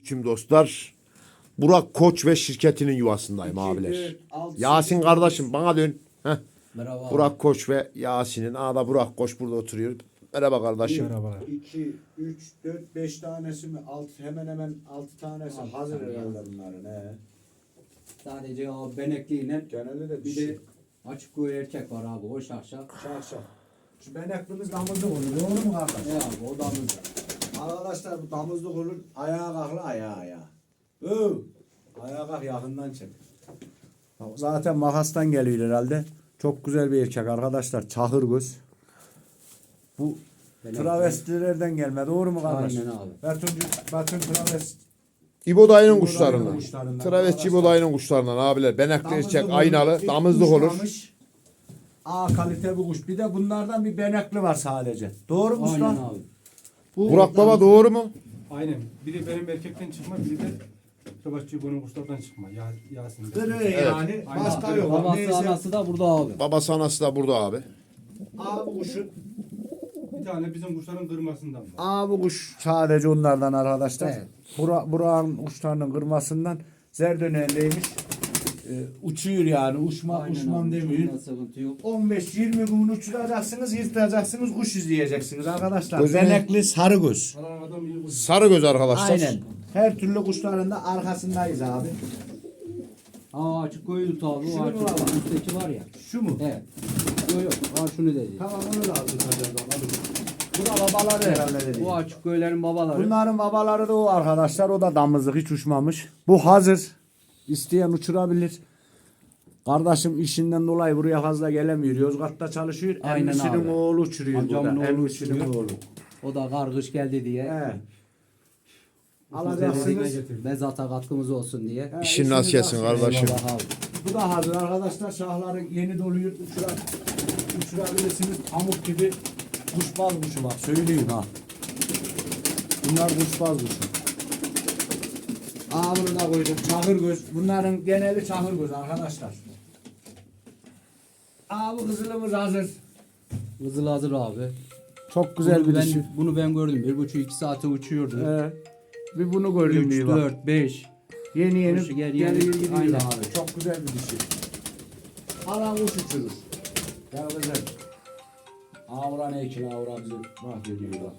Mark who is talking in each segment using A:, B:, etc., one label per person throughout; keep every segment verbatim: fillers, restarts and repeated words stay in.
A: Selamünaleyküm dostlar. Burak Koç ve şirketinin yuvasındayım
B: İki,
A: abiler.
B: dört, altı,
A: Yasin
B: sekiz,
A: kardeşim bana dön. Heh.
C: Merhaba.
A: Burak Koç ve Yasin'in. Aa da Burak Koç burada oturuyor. Merhaba kardeşim.
B: Merhabalar. iki, üç, dört, beş tanesi mi? altı, hemen hemen altı tanesi
C: Altı
B: hazır
C: tane
B: herhalde bunların. He.
C: Sadece o benekliyle
B: Genelde de
C: bir de açık koyu erkek var abi o şahşak.
B: şak şak. Şu beneklimiz damızlık olur. Doğru mu kardeş?
C: Ne abi o damız.
B: Arkadaşlar bu damızlık olur. Ayağa kalklı ayağa ayağa. Öv. Ayağa kalk yakından çek. Zaten makastan geliyor herhalde. Çok güzel bir erkek arkadaşlar. Çahır göz. Bu
C: Benekli.
B: travestilerden gelme. Doğru mu kardeş?
C: Aynen abi.
B: Betun, Betun travest.
A: İbo dayının
B: İbo
A: kuşlarından.
B: dayının kuşlarından.
A: Traves İbo dayının kuşlarından abiler. Benekli erkek aynalı. Damızlık olur.
B: A kalite bir kuş. Bir de bunlardan bir benekli var sadece. Doğru mu
C: Aynen
B: usta?
C: abi.
B: Bu
A: Burak baba doğru mu?
D: Aynen. Biri benim erkekten çıkma, biri de Kıvaççı bunun kuşlardan çıkma. Ya, Yasin'den.
B: Kırı yani.
D: Aynen.
B: Başka yok.
C: Babası
B: Neyse.
C: anası da burada abi.
A: Babası anası da burada abi.
B: A bu kuşun.
D: Bir tane bizim kuşların kırmasından var.
B: A bu kuş sadece onlardan arkadaşlar.
C: Evet.
B: Bura, Burak'ın kuşlarının kırmasından zer döneğindeymiş. Ee, uçuyor yani. Uçma,
C: Aynen
B: uçmam
C: abi,
B: demiyor.
C: uçumda sıkıntı yok.
B: on beş yirmi gün uçuracaksınız, yırtacaksınız, kuş izleyeceksiniz arkadaşlar.
A: Gözüne-
B: Benekli sarı göz.
D: Kalan adam iyi kuş.
A: Sarı göz arkadaşlar.
B: Aynen. Her türlü kuşların da arkasındayız abi.
C: Aa açık koyu tut abi.
B: Şunu
C: O açık
B: mu alalım?
C: üstteki var ya.
B: Şu mu?
C: Evet. Yok yok. Aa şunu dedi.
B: Tamam onu da aldık hadi bakalım. Bu da babaları herhalde dedi.
C: Bu açık koyuların babaları.
B: Bunların babaları da o arkadaşlar. O da damızlık hiç uçmamış. Bu hazır. İsteyen uçurabilir. Kardeşim işinden dolayı buraya fazla gelemiyor. Yozgat'ta çalışıyor.
C: Aynen
B: Emmisinin
C: abi.
B: oğlu uçuruyor
C: Amcamın
B: burada.
C: oğlu
B: Emmisinin
C: uçuruyor.
B: oğlu.
C: O da kargış geldi diye.
B: He.
C: Alacaksınız.
B: Alacaksınız.
C: Mezata katkımız olsun diye.
B: He,
A: İşin
B: işiniz
A: nasıl yesin
B: açsın.
A: kardeşim?
C: Eyvallah abi.
B: Bu da hazır arkadaşlar. Şahları yeni doluyor. Uçura, uçurabilirsiniz. Pamuk gibi kuşbaz kuşu bak. Söyleyeyim ha. Bunlar kuşbaz kuşu. Aa bunu da koydum. Çahır göz. Bunların geneli çahır göz arkadaşlar. Aa bu kızılımız hazır.
C: Kızıl hazır abi.
B: Çok güzel
C: bunu
B: bir
C: ben,
B: dişi.
C: Bunu ben gördüm. Bir buçuk iki saate uçuyordu.
B: Ee, bir bunu gördüm
C: üç,
B: diye bak.
C: dört, beş.
B: Yeni yeni
C: Kuşu gel-
B: geliyor
C: yeni-
B: gidiyor
C: aynen.
B: abi. Çok güzel bir dişi. Alan kuş uçurur. Ya güzel. Avra ne ki avra bizi mahvediyor bak.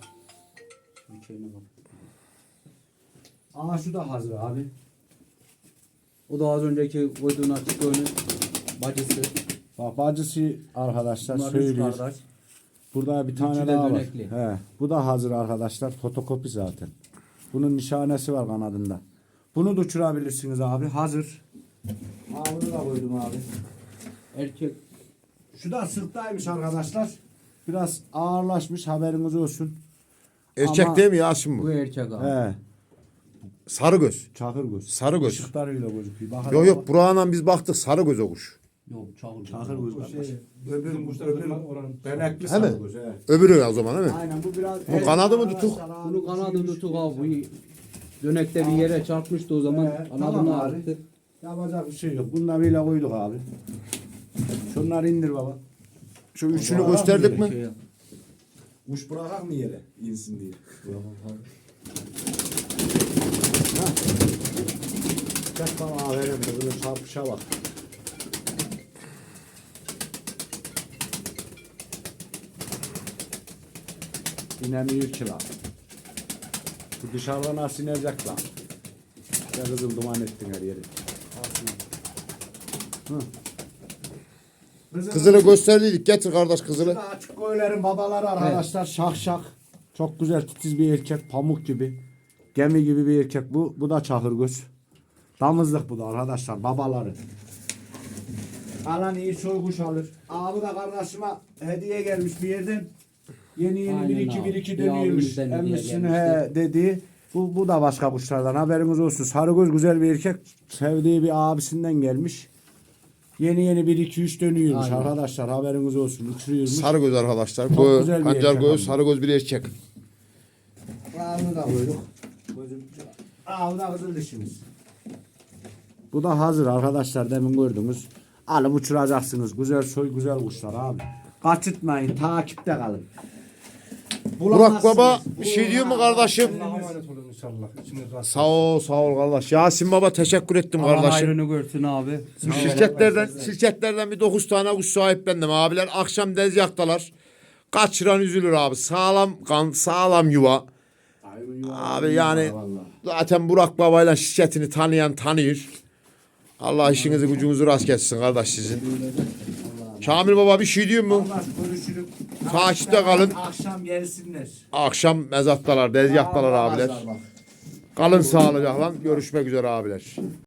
B: Aa şu da hazır abi.
C: O da az önceki koyduğun açık önü bacısı.
B: Bak bacısı arkadaşlar
C: Bunlar üç
B: söylüyor.
C: kardeş.
B: Burada bir tane
C: Üçü de
B: daha var.
C: dönekli.
B: He, bu da hazır arkadaşlar. Fotokopi zaten. Bunun nişanesi var kanadında. Bunu da uçurabilirsiniz abi. Hazır. Aa bunu da koydum abi.
C: Erkek.
B: Şu da sırttaymış arkadaşlar. Biraz ağırlaşmış haberiniz olsun.
A: Erkek
B: Ama-
A: değil mi Yasin bu?
C: Bu erkek abi.
B: He.
A: Sarı göz.
B: Çakır göz.
A: Sarı göz.
B: Işıklarıyla gözüküyor. Bakın
A: Yok yok Burak'la biz baktık sarı göz o kuş.
C: Yok çağır.
B: Çakır göz.
D: O
B: kardeş.
D: şey,
B: Öbür,
D: bizim kuşlar
B: öbür
D: kırma oranın.
B: benekli
A: He
B: sarı
A: mi?
B: göz. He.
A: Öbürü o zaman değil mi?
B: Aynen bu biraz.
A: Bu kanadı mı tutuk?
C: Bunu kanadı tutuk abi. Bu dönekte bir yere çarpmıştı o zaman.
B: He,
C: Kanadını
B: tamam abi.
C: ağrıttı.
B: Yapacak bir şey yok. Bunları bile koyduk abi. Şunları indir baba.
A: Şu üçünü
B: Burak'a
A: gösterdik
B: mı
A: mi?
C: Şey,
B: Kuş bırakak mı yere? İnsin diye. Çek bana aferin de böyle çarpışa bak. İnemiyor ki lan. Bu dışarıdan nasıl inecek lan? Ya kızım duman ettin her yeri. Hı. Kızım-
A: Kızılı gösterdiydik. Getir kardeş kızılı.
B: Şurada açık koyuların babaları arkadaşlar şak şak. Çok güzel titiz bir erkek pamuk gibi. Gemi gibi bir erkek bu. Bu da çakır göz. Damızlık bu da arkadaşlar babaları. Alan iyi soy kuş alır. Abi da kardeşime hediye gelmiş bir yerden. Yeni yeni
C: Aynen
B: bir iki
C: abi.
B: bir iki
C: Bir
B: dönüyormuş.
C: abimizden hediye
B: Emmisini
C: gelmişti.
B: he dediği. Bu, bu da başka kuşlardan haberiniz olsun. Sarıgöz güzel bir erkek. Sevdiği bir abisinden gelmiş. Yeni yeni bir iki üç dönüyormuş
C: Aynen.
B: arkadaşlar haberiniz olsun. Uçuruyormuş.
A: Sarı göz arkadaşlar.
B: Çok
A: Bu
B: güzel bir
A: pancar
B: erkek
A: göz,
B: ama.
A: sarı göz bir erkek.
B: Ağını da koyduk. Ağını da kızıl dişimiz. Bu da hazır arkadaşlar demin gördünüz. Alıp uçuracaksınız. Güzel soy güzel kuşlar abi. Kaçırtmayın takipte kalın.
A: Burak Baba bir şey diyor mu kardeşim?
D: Allah'a emanet olun inşallah. İçiniz rahat.
A: Sağ ol, sağ ol kardeş. Yasin Baba teşekkür ettim
C: Allah
A: kardeşim.
C: hayrını görsün abi.
A: Bu şirketlerden, şirketlerden bir dokuz tane kuş sahiplendim. Abiler akşam dezgahtalar. Kaçıran üzülür abi. Sağlam kan, sağlam yuva. Abi yani zaten Burak Baba'yla şirketini tanıyan tanıyor. Allah işinizi gücünüzü rast gelsin kardeş sizin. Kamil Baba bir şey diyor mu?
B: Allah görüşürüz.
A: Takipte kalın.
B: Akşam gelsinler.
A: Akşam mezattalar, dezgahtalar abiler. Kalın sağlıcakla. Görüşmek üzere abiler.